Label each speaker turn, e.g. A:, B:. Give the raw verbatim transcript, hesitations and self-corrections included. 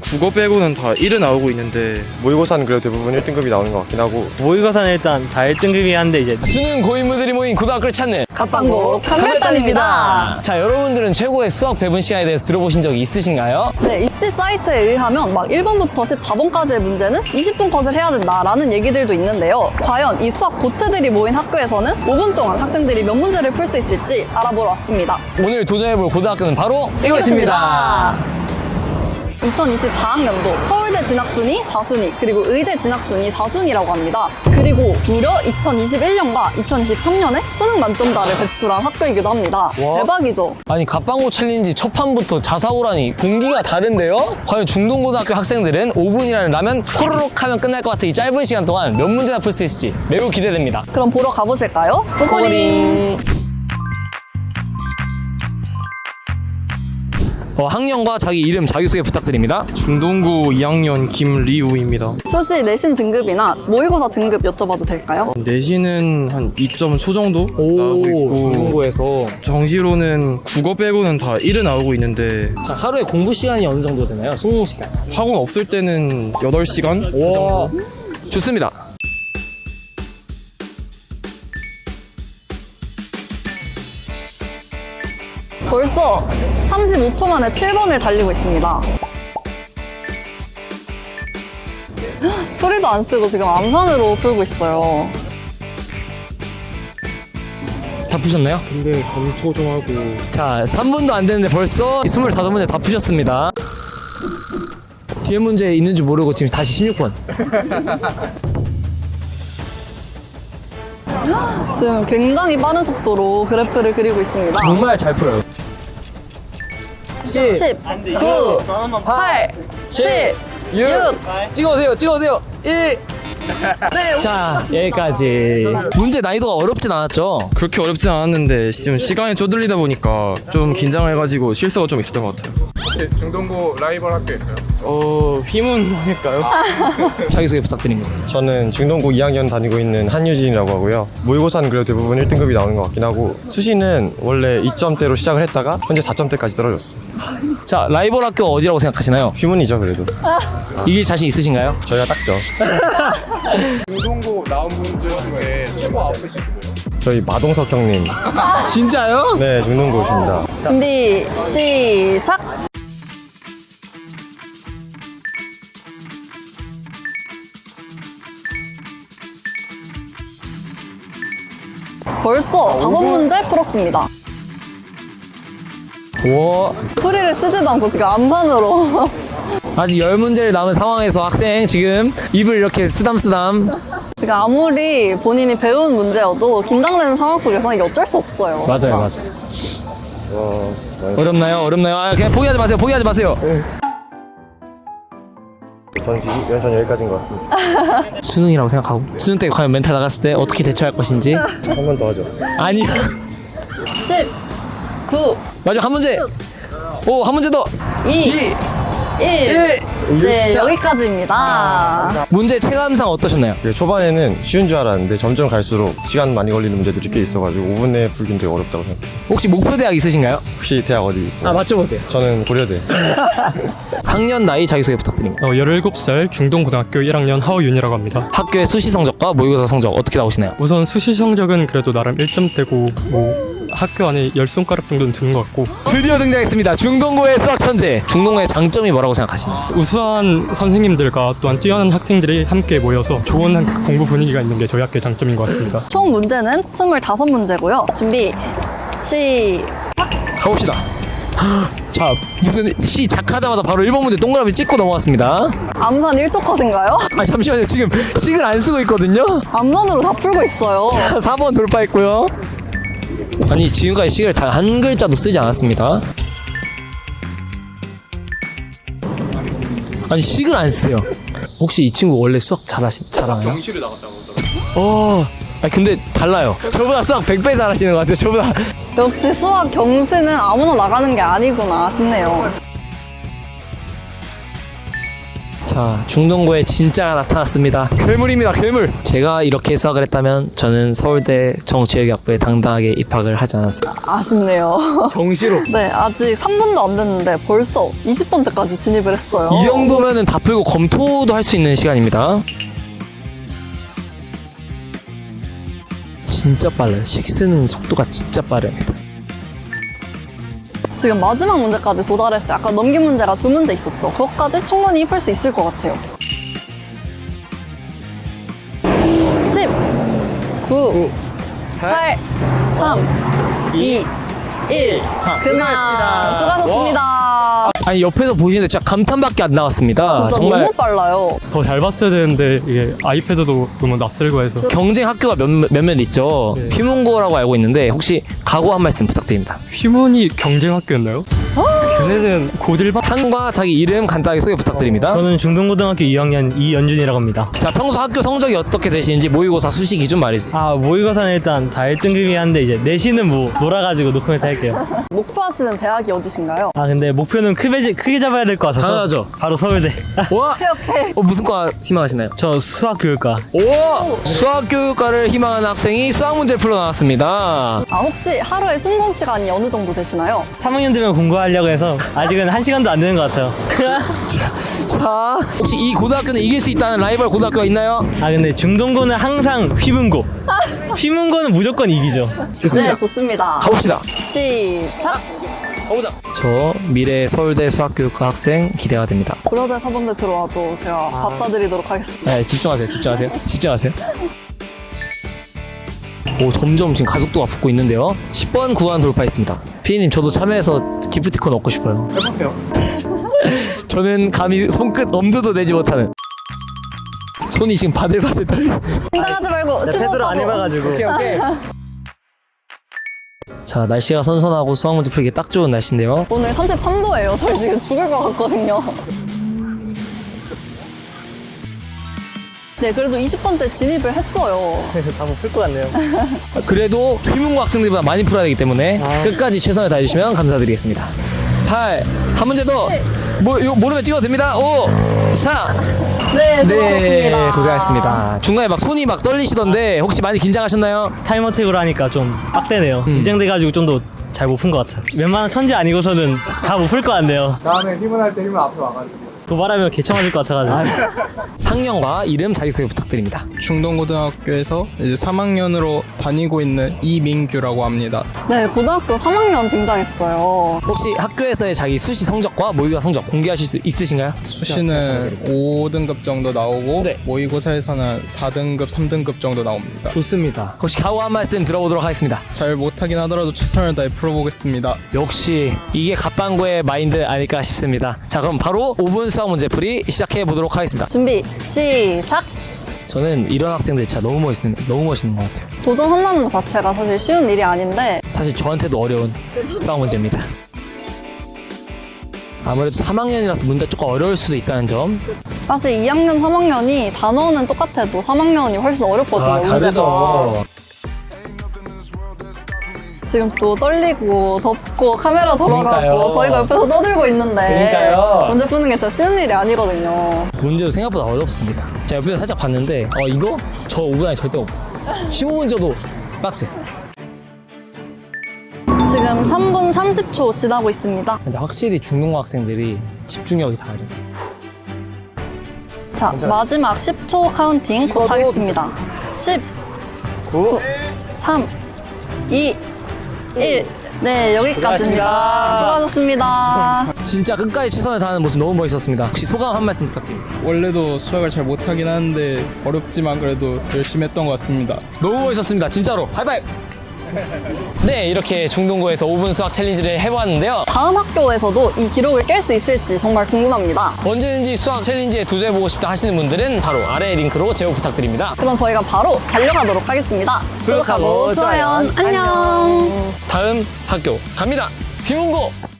A: 국어 빼고는 다 일은 나오고 있는데
B: 모의고사는 그래도 대부분 일 등급이 나오는 것 같긴 하고
C: 모의고사는 일단 다 일 등급이 한데 이제
D: 수능 고인물들이 모인 고등학교를 찾는
E: 갓방고 칸달단입니다.
D: 자, 여러분들은 최고의 수학 배분 시간에 대해서 들어보신 적이 있으신가요?
E: 네, 입시 사이트에 의하면 막 일 번부터 십사 번까지의 문제는 이십 분 컷을 해야 된다라는 얘기들도 있는데요. 과연 이 수학 고트들이 모인 학교에서는 오 분 동안 학생들이 몇 문제를 풀 수 있을지 알아보러 왔습니다.
D: 오늘 도전해볼 고등학교는 바로 이것입니다.
E: 이천이십사 학년도 서울대 진학순위 사 순위 그리고 의대 진학순위 사 순위라고 합니다. 그리고 무려 이천이십일 년과 이천이십삼 년에 수능 만점자를 배출한 학교이기도 합니다. 대박이죠?
D: 아니, 갓방고 챌린지 첫 판부터 자사고라니 공기가 다른데요? 과연 중동고등학교 학생들은 오 분이라는 라면 호로록 하면 끝날 것 같은 이 짧은 시간 동안 몇 문제나 풀 수 있을지 매우 기대됩니다.
E: 그럼 보러 가보실까요? 고고링!
D: 어, 학년과 자기 이름, 자기소개 부탁드립니다.
A: 중동고 이 학년 김리우입니다.
E: 수시 내신 등급이나 모의고사 등급 여쭤봐도 될까요?
A: 내신은 한 이 점 소 정도 나오고
D: 오,
A: 있고
D: 중동고에서.
A: 정시로는 국어 빼고는 다 일은 나오고 있는데
D: 자, 하루에 공부 시간이 어느 정도 되나요? 수능 시간.
A: 학원 없을 때는 여덟 시간 그
D: 와,
A: 정도.
D: 좋습니다.
E: 벌써 삼십오 초 만에 칠 번을 달리고 있습니다. 풀이도 안 쓰고 지금 암산으로 풀고 있어요.
D: 다 푸셨나요?
A: 근데 검토 좀 하고
D: 자, 삼 분도 안 됐는데 벌써 스물다섯 문제 다 푸셨습니다. 뒤에 문제 있는 줄 모르고 지금 다시 십육 번.
E: 지금 굉장히 빠른 속도로 그래프를 그리고 있습니다.
D: 정말 잘 풀어요.
E: 십, 구, 팔, 칠, 육.
D: 찍어오세요, 찍어오세요. 일.
E: 네,
D: 자, 여기까지. 문제 난이도가 어렵진 않았죠?
A: 그렇게 어렵진 않았는데 지금 시간에 쪼들리다 보니까 좀 긴장해가지고 실수가 좀 있었던 것 같아요.
F: 혹시 중동고 라이벌 학교 있어요?
A: 어... 휘문일까요?
D: 자기소개 부탁드립니다.
B: 저는 중동고 이 학년 다니고 있는 한유진이라고 하고요. 모의고사는 그래도 대부분 일 등급이 나오는 것 같긴 하고 수시는 원래 이 점대로 시작을 했다가 현재 사 점대까지 떨어졌습니다.
D: 자, 라이벌 학교 어디라고 생각하시나요?
B: 휴문이죠 그래도.
D: 이길 자신 있으신가요?
B: 저희가 딱죠.
F: 중동고 나온 분들 중에 최고 아프신 분이에요?
B: 저희 마동석 형님.
D: 진짜요?
B: 네, 중동고십니다.
E: 준비, 시작! 벌써 다섯 문제 풀었습니다.
D: 와,
E: 풀이를 쓰지도 않고 지금 암산으로.
D: 아직 열 문제를 남은 상황에서 학생 지금 입을 이렇게 쓰담쓰담.
E: 지금 아무리 본인이 배운 문제여도 긴장되는 상황 속에서 이게 어쩔 수 없어요.
D: 맞아요, 맞아요.
B: 와,
D: 어렵나요? 어렵나요? 아, 그냥 포기하지 마세요. 포기하지 마세요.
B: 저는 지- 전 여기까지인 것 같습니다.
D: 수능이라고 생각하고 수능 때 과연 멘탈 나갔을 때 어떻게 대처할 것인지.
B: 한 번 더 하죠.
D: 아니요.
E: 십, 구,
D: 마지막 한 문제. 오, 한 문제 더.
E: 이, 일. 네,
D: 자.
E: 여기까지입니다.
D: 문제 체감상 어떠셨나요?
B: 그 초반에는 쉬운 줄 알았는데 점점 갈수록 시간 많이 걸리는 문제들이 꽤 있어가지고 오 분 내에 풀긴 되게 어렵다고 생각했어요.
D: 혹시 목표 대학 있으신가요?
B: 혹시 대학 어디?
D: 아, 맞춰보세요.
B: 저는 고려대.
D: 학년 나이 자기소개 부탁드립니다.
G: 어, 열일곱 살 중동고등학교 일 학년 하우윤이라고 합니다.
D: 학교의 수시 성적과 모의고사 성적 어떻게 나오시나요?
G: 우선 수시 성적은 그래도 나름 일 점대고 뭐 학교 안에 열 손가락 정도는 드는 것 같고
D: 드디어 등장했습니다. 중동고의 수학 천재. 중동고의 장점이 뭐라고 생각하시나요?
G: 우수한 선생님들과 또한 뛰어난 학생들이 함께 모여서 좋은 한- 공부 분위기가 있는 게 저희 학교의 장점인 것 같습니다.
E: 총 문제는 스물다섯 문제고요. 준비, 시,
D: 가봅시다. 자, 무슨 시작하자마자 바로 일 번 문제 동그라미 찍고 넘어갔습니다.
E: 암산 일 초 컷인가요?
D: 아, 잠시만요. 지금 식을 안 쓰고 있거든요.
E: 암산으로 다 풀고 있어요.
D: 자, 사 번 돌파했고요. 아니, 지금까지 식을 단 한 글자도 쓰지 않았습니다. 아니, 식을 안 쓰요. 혹시 이 친구 원래 수학 잘하시, 잘하나요?
F: 경시를 나갔다고 하더라고요.
D: 어, 아니, 근데 달라요. 저보다 수학 백 배 잘하시는 것 같아요. 저보다.
E: 역시 수학 경시는 아무나 나가는 게 아니구나 싶네요.
D: 자, 자, 중동고의 진짜가 나타났습니다. 괴물입니다, 괴물. 제가 이렇게 수학을 했다면 저는 서울대 정치외교학부에 당당하게 입학을 하지 않았습니다.
E: 아쉽네요.
D: 정시로.
E: 네, 아직 삼 분도 안 됐는데 벌써 이십 번대까지 진입을 했어요.
D: 이 정도면은 다 풀고 검토도 할 수 있는 시간입니다. 진짜 빨라요. 식스는 속도가 진짜 빠릅니다.
E: 지금 마지막 문제까지 도달했어요. 아까 넘긴 문제가 두 문제 있었죠. 그것까지 충분히 풀 수 있을 것 같아요. 십, 구, 팔, 삼, 이, 일. 그만 수고하셨습니다.
D: 아니 옆에서 보시는데 진짜 감탄밖에 안 나왔습니다.
E: 진짜
D: 정말
E: 너무 빨라요.
G: 더 잘 봤어야 되는데 이게 아이패드도 너무 낯설고 해서
D: 경쟁 학교가 몇, 몇몇 있죠.
G: 네.
D: 휘문고라고 알고 있는데 혹시 각오 한 말씀 부탁드립니다.
G: 휘문이 경쟁학교였나요? 걔네는 고딜반
D: 한과 자기 이름 간단하게 소개 부탁드립니다.
C: 저는 중동고등학교 이 학년 이연준이라고 합니다.
D: 자, 평소 학교 성적이 어떻게 되시는지 모의고사 수시 기준 말해주세요.
C: 아, 모의고사는 일단 다 일 등급이 한데 이제 내신은 뭐 놀아가지고 노코멘트 할게요.
E: 목표하시는 대학이 어디신가요?
C: 아, 근데 목표는 크게, 크게 잡아야 될 것 같아서
D: 당연하죠.
C: 바로 서울대.
D: 와,
E: 오케이, 오케이.
D: 어, 무슨 과 희망하시나요?
C: 저 수학교육과.
D: 오, 수학교육과를 희망하는 학생이 수학 문제를 풀어 나왔습니다.
E: 아, 혹시 하루에 순공 시간이 어느 정도 되시나요?
C: 삼 학년 되면 공부하려고 해서 아직은 한 시간도 안 되는 것 같아요.
D: 자, 혹시 이 고등학교는 이길 수 있다는 라이벌 고등학교가 있나요?
C: 아, 근데 중동고는 항상 휘문고. 휘문고는 무조건 이기죠.
E: 네, 좋습니다.
D: 가봅시다.
E: 시작!
D: 가보자. 저 미래 서울대 수학교육과 학생 기대가 됩니다.
E: 브로드 사범대 들어와도 제가 밥 사드리도록 하겠습니다.
D: 네, 집중하세요, 집중하세요, 집중하세요. 오, 점점 지금 가속도가 붙고 있는데요. 십 번 구간 돌파했습니다. 피디님, 저도 참여해서 기프티콘 얻고 싶어요.
F: 해보세요.
D: 저는 감히 손끝 엄두도 내지 못하는. 손이 지금 바들바들 떨려.
E: 긴장하지 말고 십오
C: 패드를 안 해봐가지고.
D: 자, 날씨가 선선하고 수학 문제 풀기 딱 좋은 날씨인데요.
E: 오늘 삼십삼 도예요. 저희 지금 죽을 것 같거든요. 네, 그래도 이십 번대 진입을 했어요.
C: 다못풀 것 같네요.
D: 그래도 휘문고 학생들보다 많이 풀어야 되기 때문에 끝까지 최선을 다해주시면 감사드리겠습니다. 팔, 한 문제 더. 뭐, 이거 모르면 찍어도 됩니다. 오, 사.
E: 네, 수고하셨습니다.
D: 네, 고생하셨습니다. 중간에 막 손이 막 떨리시던데 혹시 많이 긴장하셨나요?
C: 타임어택으로 하니까 좀 빡대네요. 긴장돼가지고 좀 더 잘 못 푼 것 같아요. 웬만한 천재 아니고서는 다 못 풀 것 같네요.
F: 다음에 힘을 할 때 힘을 앞에 와가지고.
C: 도발하면 개쳐 맞을 것 같아가지고.
D: 학년과 이름 자기소개 부탁드립니다.
H: 중동고등학교에서 이제 삼 학년으로 다니고 있는 이민규라고 합니다.
E: 네, 고등학교 삼 학년 등장했어요.
D: 혹시 학교에서의 자기 수시 성적과 모의고사 성적 공개하실 수 있으신가요?
H: 수시는 오 등급 정도 나오고
D: 네.
H: 모의고사에서는 사 등급, 삼 등급 정도 나옵니다.
D: 좋습니다. 혹시 각오 한 말씀 들어보도록 하겠습니다.
H: 잘 못하긴 하더라도 최선을 다해 풀어보겠습니다.
D: 역시 이게 갓방구의 마인드 아닐까 싶습니다. 자, 그럼 바로 오 분 수학 문제 풀이 시작해 보도록 하겠습니다.
E: 준비, 시작!
D: 저는 이런 학생들이 진짜 너무 멋있는, 너무 멋있는 것 같아요.
E: 도전한다는 것 자체가 사실 쉬운 일이 아닌데
D: 사실 저한테도 어려운 수학 문제입니다. 아무래도 삼 학년이라서 문제 조금 어려울 수도 있다는 점.
E: 사실 이 학년, 삼 학년이 단어는 똑같아도 삼 학년이 훨씬 어렵거든요, 문제가. 지금 또 떨리고 덥고 카메라 돌아가고
D: 그러니까요.
E: 저희가 옆에서 떠들고 있는데
D: 그러니까요.
E: 문제 푸는 게 진짜 쉬운 일이 아니거든요.
D: 문제도 생각보다 어렵습니다. 제가 옆에서 살짝 봤는데 어 이거? 저 오 분 안에 절대 없어. 십오 문제도 빡세.
E: 지금 삼 분 삼십 초 지나고 있습니다.
D: 근데 확실히 중동고 학생들이 집중력이 다르네.
E: 자, 마지막 십 초 카운팅 곧
D: 찍어도
E: 하겠습니다. 십, 구, 삼, 이, 일. 네, 여기까지입니다. 수고하셨습니다.
D: 진짜 끝까지 최선을 다하는 모습 너무 멋있었습니다. 혹시 소감 한 말씀 부탁드립니다.
H: 원래도 수학을 잘 못하긴 하는데 어렵지만 그래도 열심히 했던 것 같습니다.
D: 너무 멋있었습니다. 진짜로. 하이파이브! 네, 이렇게 중동고에서 오 분 수학 챌린지를 해보았는데요.
E: 다음 학교에서도 이 기록을 깰 수 있을지 정말 궁금합니다.
D: 언제든지 수학 챌린지에 도전해보고 싶다 하시는 분들은 바로 아래 링크로 제보 부탁드립니다.
E: 그럼 저희가 바로 달려가도록 하겠습니다. 구독하고 좋아요. 안녕.
D: 다음 학교 갑니다. 휘문고!